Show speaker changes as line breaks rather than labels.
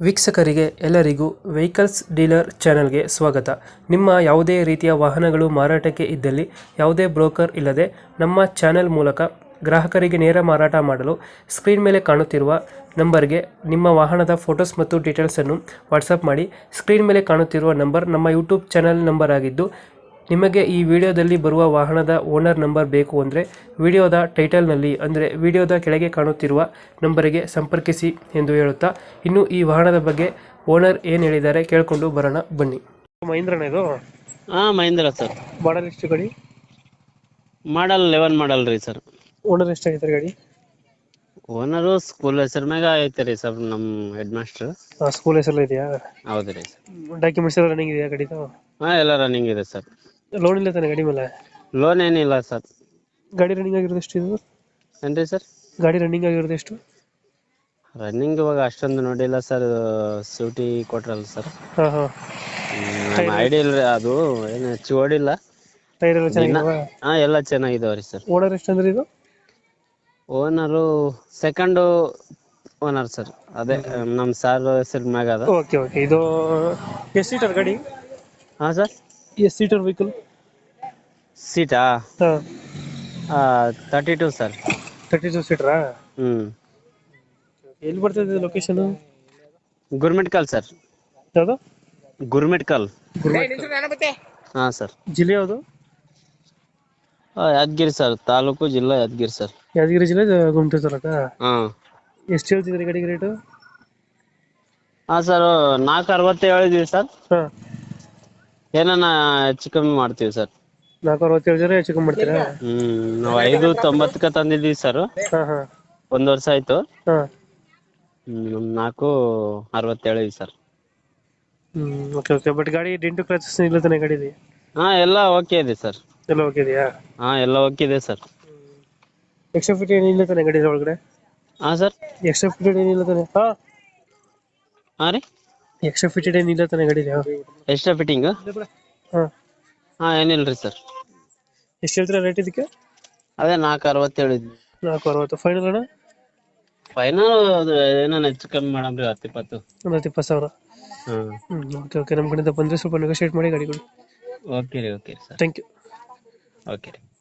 ವೀಕ್ಷಕರಿಗೆ ಎಲ್ಲರಿಗೂ vehicles dealer ಚಾನೆಲ್ಗೆ ಸ್ವಾಗತ. ನಿಮ್ಮ ಯಾವುದೇ ರೀತಿಯ ವಾಹನಗಳು ಮಾರಾಟಕ್ಕೆ ಇದ್ದಲ್ಲಿ ಯಾವುದೇ ಬ್ರೋಕರ್ ಇಲ್ಲದೆ ನಮ್ಮ ಚಾನೆಲ್ ಮೂಲಕ ಗ್ರಾಹಕರಿಗೆ ನೇರ ಮಾರಾಟ ಮಾಡಲು ಸ್ಕ್ರೀನ್ ಮೇಲೆ ಕಾಣುತ್ತಿರುವ ನಂಬರ್ಗೆ ನಿಮ್ಮ ವಾಹನದ ಫೋಟೋಸ್ ಮತ್ತು ಡೀಟೇಲ್ಸನ್ನು ವಾಟ್ಸಪ್ ಮಾಡಿ. ಸ್ಕ್ರೀನ್ ಮೇಲೆ ಕಾಣುತ್ತಿರುವ ನಂಬರ್ ನಮ್ಮ ಯೂಟ್ಯೂಬ್ ಚಾನೆಲ್ ನಂಬರ್ ಆಗಿದ್ದು, ನಿಮಗೆ ಈ ವಿಡಿಯೋದಲ್ಲಿ ಬರುವ ವಾಹನದ ಓನರ್ ನಂಬರ್ ಬೇಕು ಅಂದರೆ ವಿಡಿಯೋದ ಟೈಟಲ್ನಲ್ಲಿ ಅಂದರೆ ವಿಡಿಯೋದ ಕೆಳಗೆ ಕಾಣುತ್ತಿರುವ ನಂಬರಿಗೆ ಸಂಪರ್ಕಿಸಿ ಎಂದು ಹೇಳುತ್ತಾ, ಇನ್ನು ಈ ವಾಹನದ ಬಗ್ಗೆ ಓನರ್ ಏನು ಹೇಳಿದ್ದಾರೆ ಕೇಳಿಕೊಂಡು ಬರೋಣ ಬನ್ನಿ. ಮಹೀಂದ್ರನ ಇದು?
ಮಹೀಂದ್ರ ಸರ್.
ಮಾಡಲ್ ಎಷ್ಟು ಗಾಡಿ?
ಮಾಡಲ್ 11 ಮಾಡಲ್ ರೀ ಸರ್.
ಓನರ್ ಎಷ್ಟಾಗಿದ್ದಾರೆ ಗಾಡಿ?
ಓನರು ಸ್ಕೂಲ್ ಹೆಸರು ಮ್ಯಾಗ ಐತೆ ರೀ ಸರ್, ನಮ್ಮ ಹೆಡ್ ಮಾಸ್ಟರ್.
ಸ್ಕೂಲ್ ಹೆಸರು ಇದೆಯಾ?
ಹೌದು ರೀ ಸರ್.
ಡಾಕ್ಯುಮೆಂಟ್ಸ್ ಎಲ್ಲ ರನ್ನಿಂಗ್ ಇದೆಯಾ ಗಾಡಿದು?
ಎಲ್ಲ ರನ್ನಿಂಗ್ ಇದೆ ಸರ್.
ಲೋನ್ ಇಲ್ಲ ತಾನೆ ಗಾಡಿ ಮೇಲೆ?
ಲೋನ್ ಏನಿಲ್ಲ ಸರ್.
ಗಾಡಿ ರನ್ನಿಂಗ್ ಆಗಿರೋದು ಎಷ್ಟು ಇದು?
ಏನ್ರಿ ಸರ್?
ಗಾಡಿ ರನ್ನಿಂಗ್ ಆಗಿರೋದು ಎಷ್ಟು?
ರನ್ನಿಂಗ್ ಇವಾಗ ಅಷ್ಟೊಂದು ನೋಡಿಲ್ಲ ಸರ್, ಸ್ಯೂಟಿ ಕೊಟ್ರಲ್ಲ ಸರ್.
ಹಾಂ ಹಾಂ.
ನಮ್ಮ ಐಡಿಯಾ ಇಲ್ರಿ, ಅದು ಏನು ಹೆಚ್ಚು ಓಡಿಲ್ಲ.
ಟೈರ್ ಎಲ್ಲ ಚೆನ್ನಾಗಿದಾವ?
ಎಲ್ಲ ಚೆನ್ನಾಗಿದಾವ್ರಿ ಸರ್.
ಓನರ್ ಎಷ್ಟು ಅಂದ್ರೆ ಇದು?
ಓನರು ಸೆಕೆಂಡ್ ಓನರ್ ಸರ್, ಅದೇ ನಮ್ಮ ಸಾರ್ ಹೆಸರು ಮ್ಯಾಗ ಅದ.
Okay okay. ಇದು ಎಷ್ಟು ಸೀಟರ್ ಗಾಡಿ?
ಹಾಂ ಸರ್.
ಎಷ್ಟು ಸೀಟರ್ ವೆಹಿಕಲ್?
ಸೀಟಾ?
ಹಾಂ.
32 ಸರ್.
32 ಸೀಟರಾ? ಎಲ್ಲಿ ಬರ್ತದೆ ಲೊಕೇಶನ್?
ಗುರ್ಮಿಟ್ಕಲ್ ಸರ್.
ಯಾವುದು?
ಗುರ್ಮಿಟ್ಕಲ್. ಹಾಂ ಸರ್.
ಜಿಲ್ಲೆ ಯಾವುದು?
ಯಾದಗಿರಿ ಸರ್, ತಾಲೂಕು ಜಿಲ್ಲಾ ಯಾದಗಿರಿ ಸರ್.
ಯಾದಗಿರಿ ಜಿಲ್ಲೆ ಗುಂಟೂರು ತಾಲೂಕ?
ಹಾಂ.
ಎಷ್ಟು ಹೇಳ್ತಿದ್ರಿ ಗಾಡಿಗೆ ರೇಟು?
ಹಾಂ ಸರ್, 460 ಹೇಳಿದ್ವಿ ಸರ್.
ಹಾಂ.
ಏನನ್ನ ಹೆಚ್ಚು ಕಮ್ಮಿ ಮಾಡ್ತೀವಿ ಸರ್.
467 ಜನ ಹೆಚ್ಚು ಕಮ್ಮಿ ಮಾಡ್ತೀರಾ?
ನಾವು 590 ತಂದಿದ್ವಿ ಸರ್.
ಹಾಂ ಹಾಂ.
1 ವರ್ಷ ಆಯ್ತು.
ಹಾಂ.
460 ಹೇಳಿವಿ ಸರ್.
Okay okay. ಬಟ್ ಗಾಡಿ ಡೆಂಟು ಕ್ರಾಚಸ್ ಇಲ್ಲ ತಾನೆ ಗಾಡಿది?
ಎಲ್ಲ ಓಕೆ ಇದೆ ಸರ್.
ಎಲ್ಲ ಓಕೆ ಇದೆಯಾ?
ಎಲ್ಲ ಓಕೆ ಇದೆ ಸರ್.
ಎಕ್ಸ್ಟ್ರಾ ಫಿಟ್ ಏನಿಲ್ಲ ತಾನೆ ಗಾಡಿ ಒಳಗಡೆ?
ಹಾಂ ಸರ್.
ಎಕ್ಸ್ಟ್ರಾ ಫಿಟೆಡ್ ಏನಿಲ್ಲ ತಾನೆ?
ಹಾಂ ರೀ,
ಎಕ್ಸ್ಟ್ರಾ ಫಿಟೆಡ್ ಏನಿಲ್ಲ ತಾನೆ ಗಾಡಿ?
Extra fitting?
ಹಾಂ.
ಏನಿಲ್ರಿ ಸರ್.
ಎಷ್ಟು ಹೇಳ್ತೀರಾ ರೇಟ್ ಇದಕ್ಕೆ?
ಅದೇ 460 ಹೇಳಿದ್ವಿ.
460 ಫೈನಲ್ ಅಣ್ಣ?
ಫೈನಲ್ ಏನೋ ಹೆಚ್ಚು ಕಮ್ಮಿ ಮಾಡಮ್ರಿ, 10-20.
ಒಂದು 20,000. Okay okay. ನಮ್ಮ ಕಡೆಯಿಂದ ಬಂದರೆ ಸ್ವಲ್ಪ ನೆಗೋಶಿಯೇಟ್ ಮಾಡಿ ಗಾಡಿ ಕೊಡಿ.
ಓಕೆ ರೀ ಸರ್.
Thank you.
ಓಕೆ ರೀ.